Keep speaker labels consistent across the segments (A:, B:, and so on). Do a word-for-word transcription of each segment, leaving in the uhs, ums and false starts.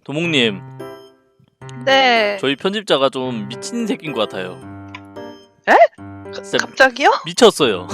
A: 도목님,
B: 네.
A: 저희 편집자가 좀 미친 새끼인 것 같아요.
B: 에?
A: 진짜
B: 갑자기요?
A: 미쳤어요.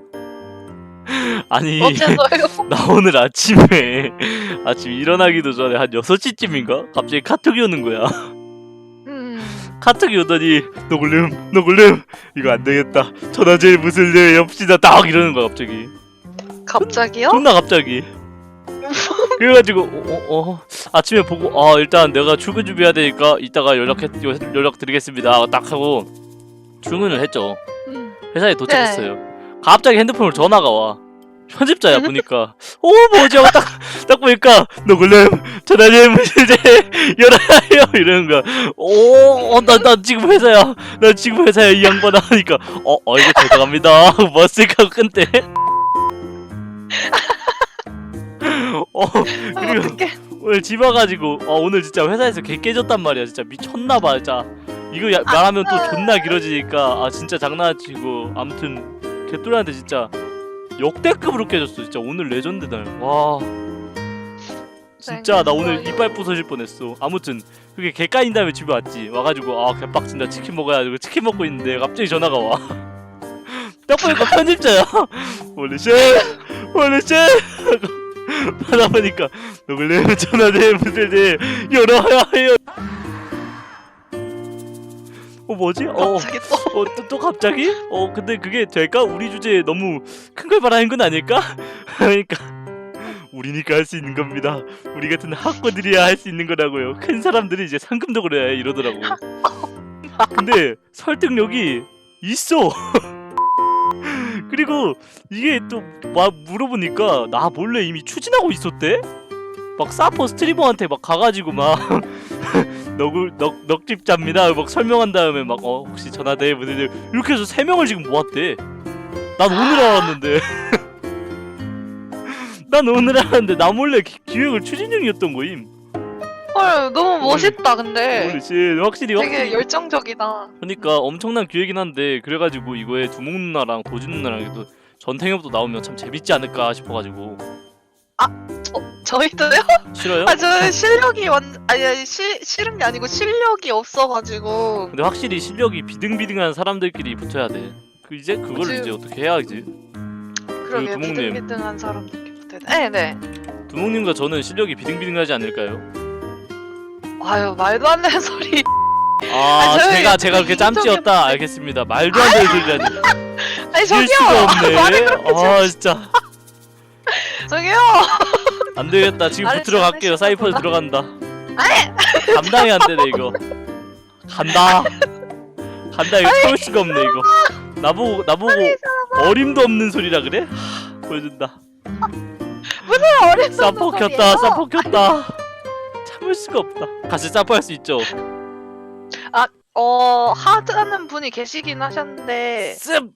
A: 아니,
B: 어째서요?
A: 나 오늘 아침에 아침 일어나기도 전에 한 여섯 시쯤인가? 갑자기 카톡이 오는 거야.
B: 음.
A: 카톡이 오더니 노글름 노글름 이거 안 되겠다. 전화제일 무슨 일 엽시다 딱 이러는 거야 갑자기.
B: 갑자기요?
A: 존나 갑자기. 그래가지고 어, 어, 어, 아침에 보고 아 일단 내가 출근 준비해야 되니까 이따가 연락해 연락 드리겠습니다 딱 하고 출근을 했죠.
B: 음.
A: 회사에 도착했어요. 네. 갑자기 핸드폰으로 전화가 와. 편집자야 보니까 오 뭐지 하고 딱, 딱 보니까 노글렘 전화제일 무슨 일 열어요 이러는 거야. 오나 나 지금 회사야 나 지금 회사야 이 양반아 하니까 어 어 이거 죄송합니다 하고 머쓱하고 끊대. 어 그리고
B: 어떡해.
A: 오늘 집 와가지고 어 오늘 진짜 회사에서 개 깨졌단 말이야. 진짜 미쳤나봐 진짜. 이거 야, 말하면 또 존나 길어지니까 아 진짜 장난치고 아무튼 개뚜리한테 진짜 역대급으로 깨졌어. 진짜 오늘 레전드 날. 와 진짜 나 오늘 이빨 부서질 뻔했어. 아무튼 그게 개 까인 다음에 집에 왔지. 와가지고 아 개빡친다 치킨 먹어야 되고 치킨 먹고 있는데 갑자기 전화가 와. 딱 보니까 편집자야. 원래씨 원래씨 하다 보니까 노글렘 전화제 무슨 일 열어야 해요. 어 뭐지? 어,
B: 갑자기 또.
A: 어, 또, 또 갑자기? 어 근데 그게 될까? 우리 주제에 너무 큰 걸 바라는 건 아닐까? 그러니까 우리니까 할 수 있는 겁니다. 우리 같은 학고들이야 할 수 있는 거라고요. 큰 사람들이 이제 상금도 그래야 해 이러더라고. 근데 설득력이 있어. 그리고 이게 또 막 물어보니까 나 몰래 이미 추진하고 있었대? 막 사퍼 스트리머한테 막 가가지고 막 넉을 넉 넉집자입니다 막 설명한 다음에 막 어 혹시 전화대 분들 이렇게 해서 세 명을 지금 모았대. 난 오늘 알았는데. 난 오늘 알았는데 나 몰래 기, 기획을 추진 중이었던 거임.
B: 헐 너무 멋있다 근데.
A: 그렇지 확실히
B: 되게
A: 확실히.
B: 열정적이다.
A: 그러니까 엄청난 기획이긴 한데 그래가지고 이거에 두목 누나랑 도진 누나랑 또 전탱엽도 나오면 참 재밌지 않을까 싶어가지고.
B: 저, 저희도요?
A: 싫어요?
B: 아 저 실력이 완 아니 아니 시, 싫은 게 아니고 실력이 없어가지고.
A: 근데 확실히 실력이 비등비등한 사람들끼리 붙어야 돼. 그 이제 그걸
B: 그치.
A: 이제 어떻게 해야지.
B: 그러게
A: 두목님.
B: 비등비등한 사람들께 붙어야 돼. 네네.
A: 두목님과 저는 실력이 비등비등하지 않을까요?
B: 아유 말도 안 되는 소리.
A: 아,
B: 아, 저희
A: 제가 제가 그렇게
B: 인정해
A: 짬찌였다.
B: 볼게.
A: 알겠습니다. 말도 안 되는 소리라니.
B: 아니
A: 이길
B: 저기요.
A: 수가 없네.
B: 말을 그렇게
A: 아 진짜
B: 저기요.
A: 안 되겠다. 지금
B: 말을
A: 붙으러 갈게요.
B: 잘하시나
A: 사이퍼에
B: 보다.
A: 들어간다. 감당이 안 되네 이거. 간다. 간다 이거 참을 수가 없네 이거. 나보고 나보고 어림도 없는 소리라 그래? 하, 보여준다.
B: 무슨 어린
A: 사퍼 켰다. 사퍼 켰다. 참을 수가 없다. 같이 사퍼 할 수 있죠.
B: 어 하자는 분이 계시긴 하셨는데
A: 습.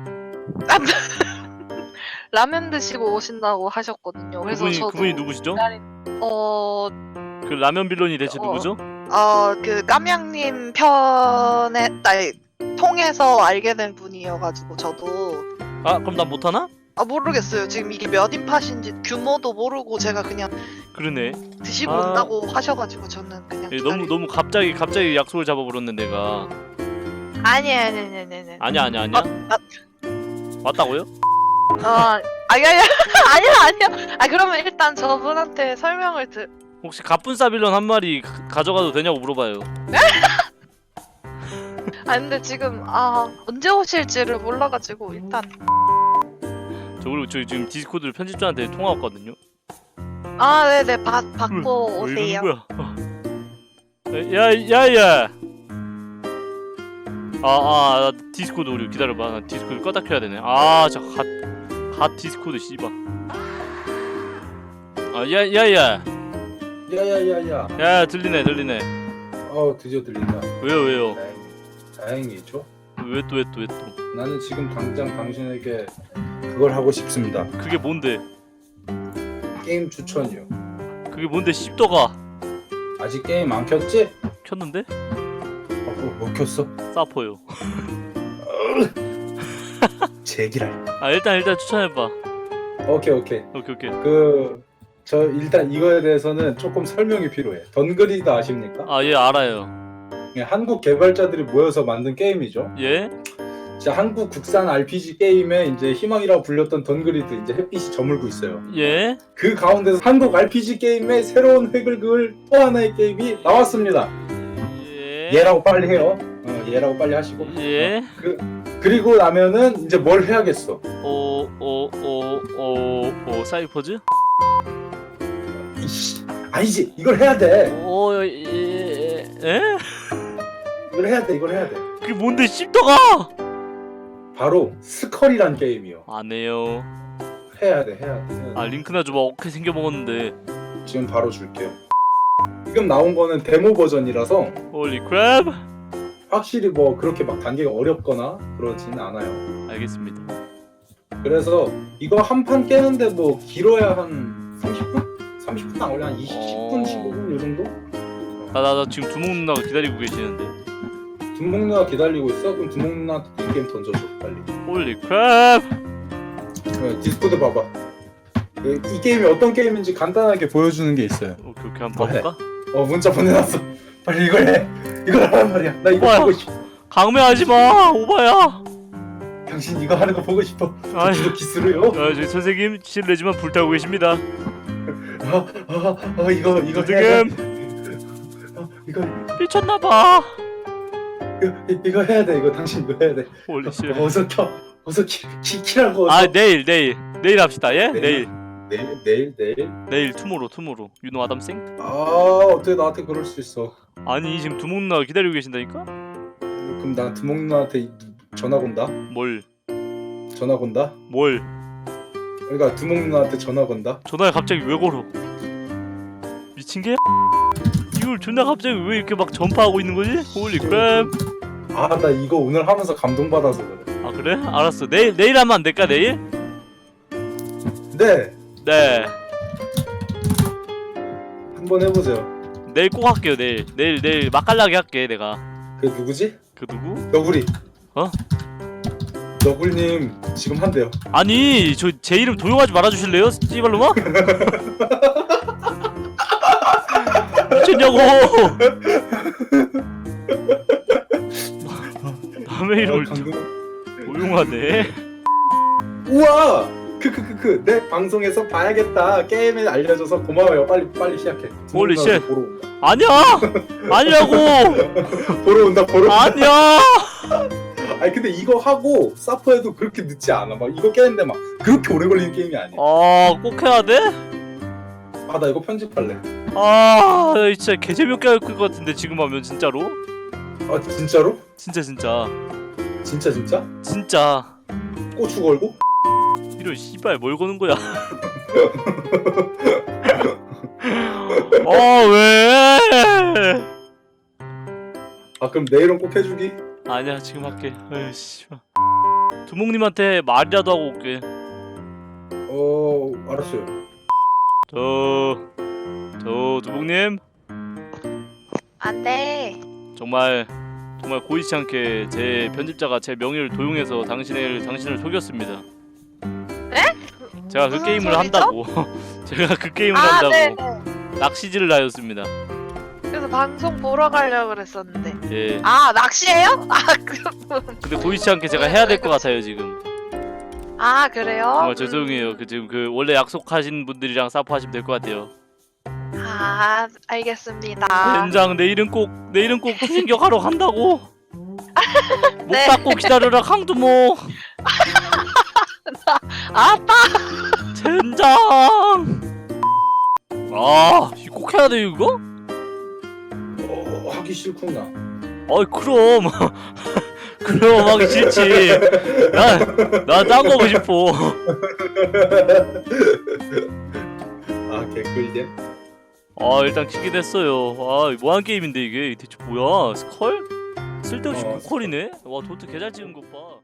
B: 라면 드시고 오신다고 하셨거든요. 그래서
A: 그분이
B: 저도
A: 그분이 누구시죠?
B: 어,
A: 그 라면 빌런이 대체
B: 어.
A: 누구죠?
B: 어, 그 깜냥님 편에 아니, 통해서 알게 된 분이어가지고 저도
A: 아 그럼 난 못하나?
B: 아 모르겠어요. 지금 이게 몇 인팟인지 규모도 모르고 제가 그냥
A: 그러네.
B: 드시고
A: 아.
B: 온다고 하셔가지고 저는 그냥
A: 예, 너무
B: 기다리-
A: 너무 갑자기 갑자기 약속을 잡아버렸네 내가.
B: 아니 아니 아니 아니 아니
A: 아니야 아니야 아니야.
B: 아,
A: 맞다고요?
B: 어 아니 아니 아니야 아니야 아 그러면 일단 저분한테 설명을 드
A: 혹시 가뿐싸 빌런 한 마리 가- 가져가도 되냐고 물어봐요.
B: 아 근데 지금 아 언제 오실지를 몰라가지고 일단
A: 저 그리고 저 지금 디스코드 편집자한테 통화 왔거든요.
B: 아 네네 받 받고
A: 왜 이러는
B: 오세요.
A: 거야? 야 야야. 아아 디스코드 우리 기다려봐. 나 디스코드 껐다 켜야 되네. 아저갓갓 디스코드 씨발. 아 야 야야.
C: 야야야야.
A: 야 들리네 들리네.
C: 어 드디어 들린다.
A: 왜요 왜요?
C: 다행, 다행이죠.
A: 왜 또 왜 또 왜 또?
C: 나는 지금 당장 당신에게 그걸 하고 싶습니다.
A: 그게 뭔데?
C: 게임 추천이요.
A: 그게 뭔데 씹더가
C: 아직 게임 안 켰지?
A: 켰는데?
C: 어, 어, 못 켰어?
A: 사퍼요.
C: 제기랄.
A: 아 일단 일단 추천해봐.
C: 오케이 오케이.
A: 오케이 오케이.
C: 그 저 일단 이거에 대해서는 조금 설명이 필요해. 던그리드 아십니까?
A: 아 예 알아요.
C: 예, 한국 개발자들이 모여서 만든 게임이죠.
A: 예?
C: 진짜 한국 국산 알피지 게임의 이제 희망이라고 불렸던 던그리드 이제 햇빛이 저물고 있어요.
A: 예?
C: 그 가운데서 한국 알피지 게임의 새로운 획을 그을 또 하나의 게임이 나왔습니다.
A: 예?
C: 얘라고 빨리 해요. 어, 얘라고 빨리 하시고.
A: 예?
C: 어, 그 그리고 나면은 이제 뭘 해야겠어?
A: 오, 오, 오, 오, 오, 사이퍼즈?
C: 이씨, 아니지, 이걸 해야 돼.
A: 오, 예, 예?
C: 이걸 해야 돼. 이걸 해야 돼.
A: 그게 뭔데 씹더가?
C: 바로 스컬이란 게임이요.
A: 안 해요.
C: 해야 돼, 해야 돼. 해야 돼.
A: 아 링크나 줘봐. 어떻게 생겨 먹었는데.
C: 지금 바로 줄게요. 지금 나온 거는 데모 버전이라서
A: 홀리 크랩.
C: 확실히 뭐 그렇게 막 단계가 어렵거나 그러지는 않아요.
A: 알겠습니다.
C: 그래서 이거 한 판 깨는데 뭐 길어야 한 삼십 분? 삼십 분 안 걸려. 한 이십 분,
A: 어.
C: 십오 분 이 정도?
A: 나 나 나 지금 두목 누나가 기다리고 계시는데.
C: 두목 누나 기다리고 있어? 그럼 두목 누나한테 이 게임 던져줘 빨리.
A: 홀리 크랩.
C: 어, 디스코드 봐봐. 그, 이 게임이 어떤 게임인지 간단하게 보여주는 게 있어요.
A: 오케이 오케이 한번
C: 뭐 해?
A: 봐볼까?
C: 어 문자 보내놨어. 빨리 이걸 해. 이걸 하란 말이야. 나 이거
A: 뭐야?
C: 보고 싶어.
A: 강매하지 마. 오바야.
C: 당신 이거 하는 거 보고 싶어.
A: 아이.
C: 저기도 기스로요?
A: 아, 저희 선생님 실례지만 불타고 계십니다.
C: 어, 어, 어, 이거 이거 해야 돼.
A: 지금
C: 어, 이거
A: 미쳤나봐.
C: 이거 이거 해야 돼. 이거 당신 이거 해야 돼.
A: 홀리 씨.
C: 어, 어서 켜. 어서 키, 키 키라고.
A: 아
C: 어서.
A: 내일 내일 내일 합시다. 예?
C: 내일?
A: 내일
C: 내일 내일 내일.
A: 내일 투모로 투모로. 유노 아담생?
C: 아 어떻게 나한테 그럴 수 있어?
A: 아니 지금 두목 누나가 기다리고 계신다니까?
C: 그럼 나 두목 누나한테 전화 건다.
A: 뭘?
C: 전화 건다.
A: 뭘?
C: 그러니까 두목 누나한테 전화 건다.
A: 전화를 갑자기 왜 걸어? 미친 게? 이걸 존나 갑자기 왜 이렇게 막 전파하고 있는 거지? 홀리 크랩.
C: 아 나 이거 오늘 하면서 감동받아서 그래.
A: 아 그래? 알았어. 내일 내일 하면 안 될까 내일?
C: 네.
A: 네.
C: 한번 해보세요.
A: 내일 꼭 할게요 내일. 내일 내일 맛깔나게 할게 내가.
C: 그 누구지?
A: 그 누구?
C: 너구리.
A: 어?
C: 너구리님 지금 한대요.
A: 아니 저 제 이름 도용하지 말아주실래요? 씨발로마? 미쳤냐고. 남의 이름을
C: 아, 감동.
A: 도용하네.
C: 우와. 크크크크 내 방송에서 봐야겠다. 게임에 알려줘서 고마워요. 빨리 빨리 시작해.
A: 홀리
C: 두목 누나
A: 쉣.
C: 보러 온다.
A: 아니야. 아니라고.
C: 보러 온다. 보러 온다.
A: 아니야.
C: 아니 근데 이거 하고 사퍼해도 그렇게 늦지 않아. 막 이거 깨는데 막 그렇게 오래 걸리는 게임이 아니야.
A: 아꼭 해야 돼?
C: 아 나 이거 편집할래.
A: 아 진짜 개 재미없게 할 것 같은데 지금 하면 진짜로?
C: 아 진짜로?
A: 진짜 진짜
C: 진짜 진짜?
A: 진짜
C: 고추 걸고?
A: 이런 씨발 뭘 거는 거야? 아 왜?
C: 아 그럼 내일은 꼭 해주기?
A: 아니야 지금 할게. 아이씨. 두목님한테 말이라도 하고 올게.
C: 어 알았어요.
A: 저, 저 두목님
B: 안돼.
A: 정말 정말 고의치 않게 제 편집자가 제 명의를 도용해서 당신을 당신을 속였습니다.
B: 네?
A: 제가 그
B: 무슨
A: 게임을
B: 소리죠?
A: 한다고. 제가 그 게임을
B: 아
A: 한다고
B: 네.
A: 낚시질을 하였습니다.
B: 그래서 방송 보러 가려고 그랬었는데.
A: 예.
B: 아 낚시예요? 아 그럼.
A: 근데 고의치 않게 제가 해야 될 것 같아요 지금.
B: 아 그래요?
A: 정말 죄송해요. 그 지금 그 원래 약속하신 분들이랑 사포하시면 될 것 같아요.
B: 아 알겠습니다.
A: 된장 내일은 꼭 내일은 꼭 추진격하러 간다고. 목
B: 네.
A: 닫고 기다려라 강두목.
B: 아빠.
A: 젠장. 아, 이거 꼭 해야 돼 이거?
C: 어 하기 싫구나.
A: 어이 그럼 그럼 하기 싫지. 나나딴 거 하고 싶어.
C: 아 개꿀잼.
A: 아 일단 키긴 했어요. 아 뭐한 게임인데 이게 대체 뭐야? 스컬? 쓸데없이
C: 어,
A: 고퀄이네. 와 도트 개잘 찍은 것 봐.